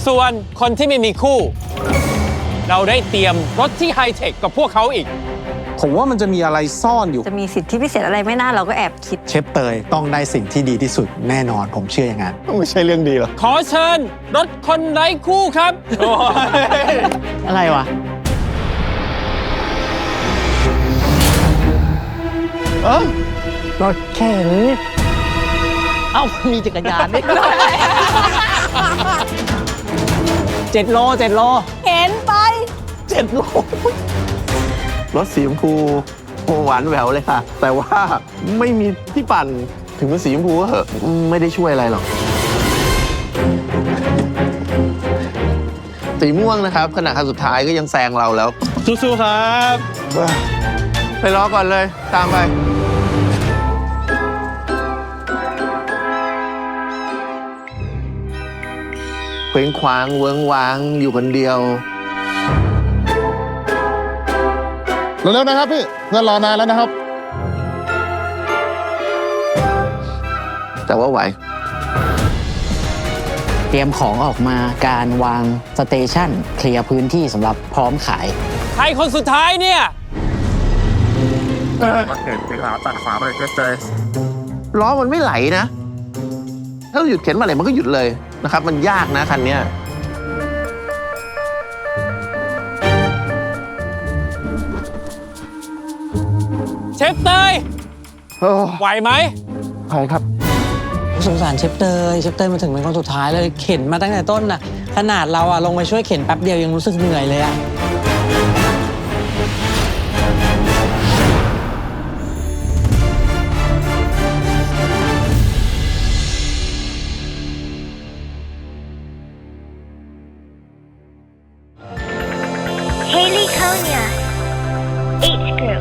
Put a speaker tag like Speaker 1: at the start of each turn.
Speaker 1: ส่วนคนที่ไม่มีคู่ เราได้เตรียมรถที่ไฮเทคกับพวกเขาอีก
Speaker 2: ผมว่ามันจะมีอะไรซ่อนอยู่
Speaker 3: จะมีสิทธิพิเศษอะไรไม่น่าเราก็แอบคิด
Speaker 4: เชฟเตยต้องได้สิ่งที่ดีที่สุดแน่นอนผมเชื่ออย่างนั้น
Speaker 2: ไม่ใช่เรื่องดีหรอก
Speaker 1: ขอเชิญรถคนไร้คู่ครับ
Speaker 5: อะไรวะ
Speaker 4: รถเข็น
Speaker 5: เอ้า มีจักรยานด้วย7 โล 7 โล
Speaker 3: เห็นไป
Speaker 5: 7 โล
Speaker 6: รถสีชมพูหวานแหววเลยค่ะ แต่ว่าไม่มีที่ปั่นถึงเป็นสีชมพูก็เหอะไม่ได้ช่วยอะไรหรอกสีม่วงนะครับขณะคันสุดท้ายก็ยังแซงเราแล้ว
Speaker 1: สู้ๆครับ
Speaker 6: ไปรอก่อนเลยตามไปเคว้งคว้างเวิ้งว้างอยู่คนเดียว
Speaker 2: เร็วๆนะครับพี่เพื่อนรอนานแล้วนะครับ
Speaker 6: แต่ว่าไหว
Speaker 5: เตรียมของออกมาการวางสเตชันเคลียร์พื้นที่สำหรับพร้อมขาย
Speaker 1: ใครคนสุดท้ายเนี่ย
Speaker 6: ล้อมันไม่ไหลนะ ถ้าเราหยุดเข็นมาไหนมันก็หยุดเลยนะครับ มันยากนะคันเนี้ย
Speaker 1: เชฟเตย
Speaker 6: โอ้
Speaker 1: ไหวไหม
Speaker 6: ใครครับ
Speaker 5: สงสารเชฟเตยมาถึงเป็นคนสุดท้ายเลยเข็นมาตั้งแต่ต้นน่ะ ขนาดเราอะลงไปช่วยเข็นแป๊บเดียวยังรู้สึกเหนื่อยเลยอะ
Speaker 7: Haley Konya, H group.